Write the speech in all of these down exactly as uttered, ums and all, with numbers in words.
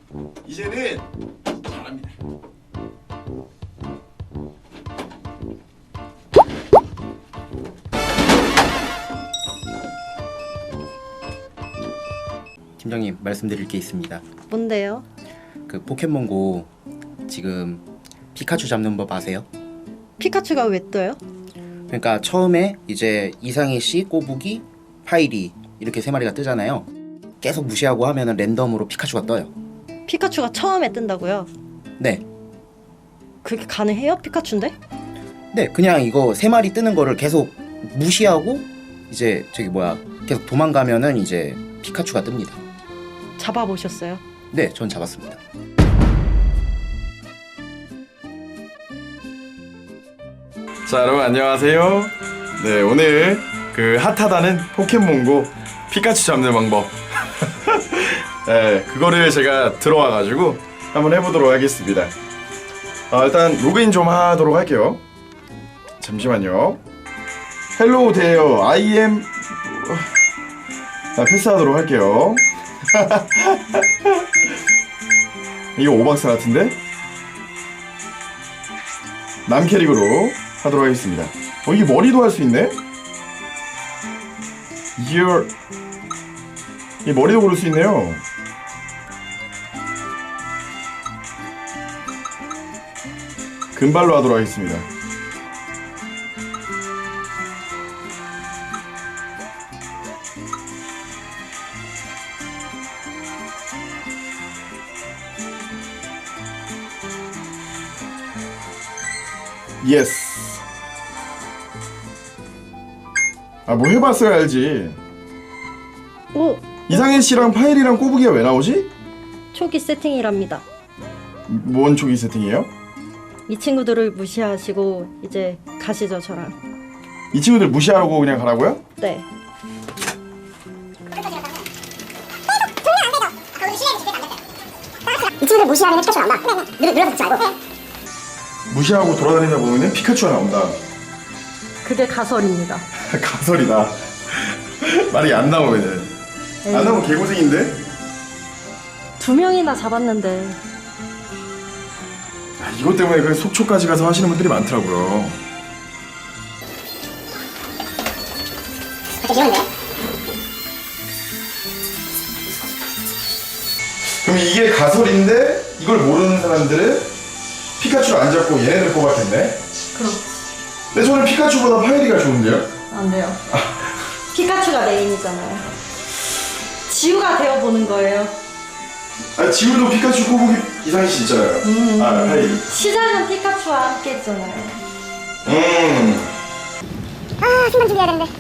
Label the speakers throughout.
Speaker 1: 이제는 잘합니다.
Speaker 2: 팀장님, 말씀드릴 게 있습니다.
Speaker 3: 뭔데요?
Speaker 2: 그 포켓몬고 지금 피카츄 잡는 법 아세요?
Speaker 3: 피카츄가 왜 떠요?
Speaker 2: 그러니까 처음에 이제 이상희 씨, 꼬부기, 파이리 이렇게 세 마리가 뜨잖아요. 계속 무시하고 하면은 랜덤으로 피카츄가 떠요.
Speaker 3: 피카츄가 처음에 뜬다고요?
Speaker 2: 네.
Speaker 3: 그게 가능해요? 피카츄인데?
Speaker 2: 네, 그냥 이거 세 마리 뜨는 거를 계속 무시하고 이제 저기 뭐야 계속 도망가면은 이제 피카츄가 뜹니다.
Speaker 3: 잡아보셨어요?
Speaker 2: 네, 전 잡았습니다.
Speaker 1: 자, 여러분 안녕하세요. 네, 오늘 그 핫하다는 포켓몬고 피카츄 잡는 방법 네, 그거를 제가 들어와가지고 한번 해보도록 하겠습니다. 아, 일단 로그인 좀 하도록 할게요. 잠시만요. 헬로우 데어 I am 자, 패스하도록 할게요. 이거 오박사 같은데? 남 캐릭으로 하도록 하겠습니다. 어, 이게 머리도 할 수 있네? Your... 이 머리도 고를 수 있네요. 금발로 하도록 하겠습니다. 예스. 아, 뭐 해봤어야 알지.
Speaker 3: 오!
Speaker 1: 이상해 씨랑 파일이랑 꼬부기가 왜 나오지?
Speaker 3: 초기 세팅이랍니다.
Speaker 1: 뭔 초기 세팅이에요?
Speaker 3: 이 친구들을 무시하시고 이제 가시죠, 저랑.
Speaker 1: 이 친구들 무시하고 그냥 가라고요?
Speaker 3: 네.
Speaker 4: 이 친구들 무시하면 피카츄가 나온다. 늘, 늘어서 듣지 말고.
Speaker 1: 무시하고 돌아다니다 보면은 피카츄가 나온다.
Speaker 3: 그게 가설입니다.
Speaker 1: 가설이다. 말이 안 나오면은.
Speaker 3: 에이.
Speaker 1: 안 나오면 개고생인데?
Speaker 3: 두 명이나 잡았는데
Speaker 1: 아, 이것 때문에 그 속초까지 가서 하시는 분들이 많더라고요.
Speaker 4: 되게 귀여운데?
Speaker 1: 그럼 이게 가설인데 이걸 모르는 사람들은 피카츄를 안 잡고 얘네들 뽑았겠네?
Speaker 3: 그럼
Speaker 1: 근데 저는 피카츄보다 파이리가 좋은데요?
Speaker 3: 안 돼요. 피카츄가 메인이잖아요. 지우가 되어보는 거예요.
Speaker 1: 아, 지우도 피카츄 꼬부기 이상희 씨 있잖아요.
Speaker 3: 음.
Speaker 1: 아, 파이리.
Speaker 3: 시작은 피카츄와 함께 했잖아요.
Speaker 1: 음.
Speaker 4: 아, 순간 준비해야 되는데.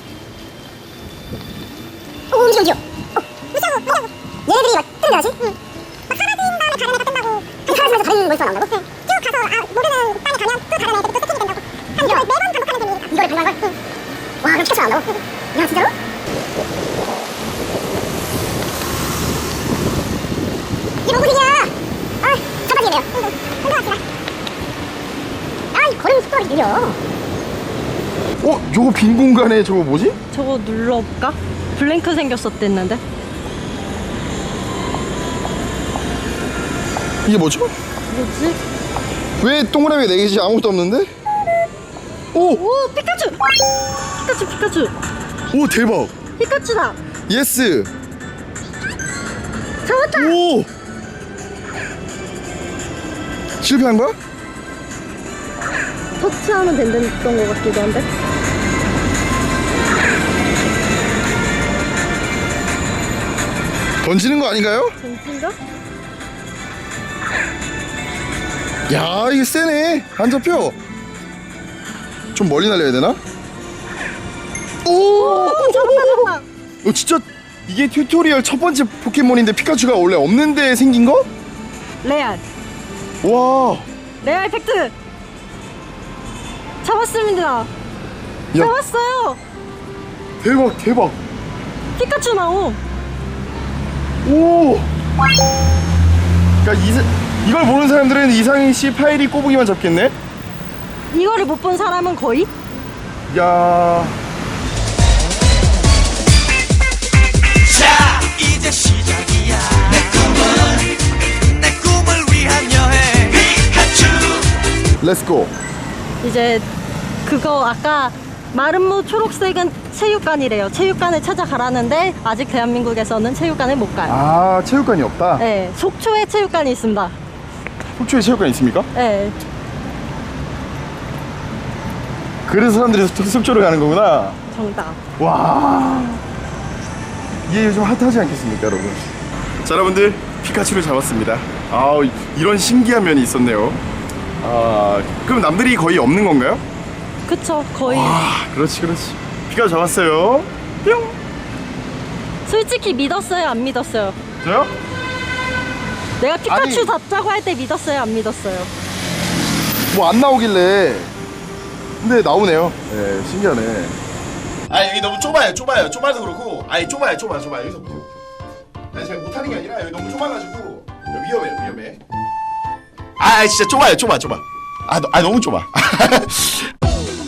Speaker 4: 오, 움직여, 움직여. 어, 무서워, 무서워. 얘네들이 막 뜨는다지? 응. 막 사라진 다음에 다른 애가 뜬다고. 그 사라지면서 다른 몬스터가 나온다고? 응. 쭉 가서, 아, 모르는 땅에 가면 또 다른 애들이 또 세팅이 된다고. 한 이걸 매번 반복하는 셈이니까. 이거를 반복한 걸? 응. 와, 그럼 피카츄가 나온다고? 야, 진짜로? 이게 뭔 소리냐? 아, 잡아지겠네요. 응, 응. 흔들어갑시다. 아, 이 걸음 속도가 느려.
Speaker 1: 어? 저거 빈 공간에 저거 뭐지?
Speaker 3: 저거 눌러볼까? 블랭크 생겼었댔는데.
Speaker 1: 이게 뭐죠?
Speaker 3: 뭐지?
Speaker 1: 왜 동그라미 네 개지 아무것도 없는데? 오!
Speaker 3: 오, 피카츄! 피카츄, 피카츄!
Speaker 1: 오, 대박!
Speaker 3: 피카츄다!
Speaker 1: 예스!
Speaker 3: 잡았다!
Speaker 1: 오! 실패한 거야?
Speaker 3: 터치하면 된다던 것 같기도 한데.
Speaker 1: 던지는 거 아닌가요?
Speaker 3: 진짜인가?
Speaker 1: 야, 이게 세네. 안 잡혀. 좀 멀리 날려야 되나? 오!
Speaker 3: 오, 잡았다, 잡았다!
Speaker 1: 어, 진짜 이게 튜토리얼 첫 번째 포켓몬인데 피카츄가 원래 없는데 생긴 거?
Speaker 3: 레알!
Speaker 1: 와!
Speaker 3: 레알 팩트! 잡았습니다!
Speaker 1: 야,
Speaker 3: 잡았어요!
Speaker 1: 대박, 대박.
Speaker 3: 피카츄 나옴!
Speaker 1: 오! 그러니까 이, 이걸 모르는 사람들은 이상희 씨, 파이리, 꼬부기만 잡겠네?
Speaker 3: 이거를 못 본 사람은 거의?
Speaker 1: 야.
Speaker 5: 자, 이제 시작이야. 내 꿈은 내
Speaker 1: 렛츠고.
Speaker 3: 이제 그거 아까 마름모 초록색은 체육관이래요. 체육관을 찾아가라는데 아직 대한민국에서는 체육관을 못 가요.
Speaker 1: 아, 체육관이 없다?
Speaker 3: 네, 속초에 체육관이 있습니다.
Speaker 1: 속초에 체육관 있습니까?
Speaker 3: 네,
Speaker 1: 그래서 사람들이 속- 속초로 가는 거구나.
Speaker 3: 정답.
Speaker 1: 와, 이게 요즘 핫하지 않겠습니까, 여러분? 자, 여러분들, 피카츄를 잡았습니다. 아, 이런 신기한 면이 있었네요. 아, 그럼 남들이 거의 없는 건가요?
Speaker 3: 그쵸, 거의.
Speaker 1: 아, 그렇지, 그렇지. 피카츄 잡았어요. 뿅.
Speaker 3: 솔직히 믿었어요, 안 믿었어요?
Speaker 1: 저요?
Speaker 3: 내가 피카츄
Speaker 1: 아니.
Speaker 3: 잡자고 할 때 믿었어요, 안 믿었어요?
Speaker 1: 뭐 안 나오길래. 근데 나오네요. 네, 신기하네.
Speaker 5: 아 여기 너무 좁아요 좁아요 좁아서 그렇고 아니 좁아요 좁아 좁아 여기서 보세요. 아니 제가 못하는 게 아니라 여기 너무 좁아가지고 위험해 위험해. 아 진짜 좁아요 좁아 좁아. 아, 너, 아 너무 좁아.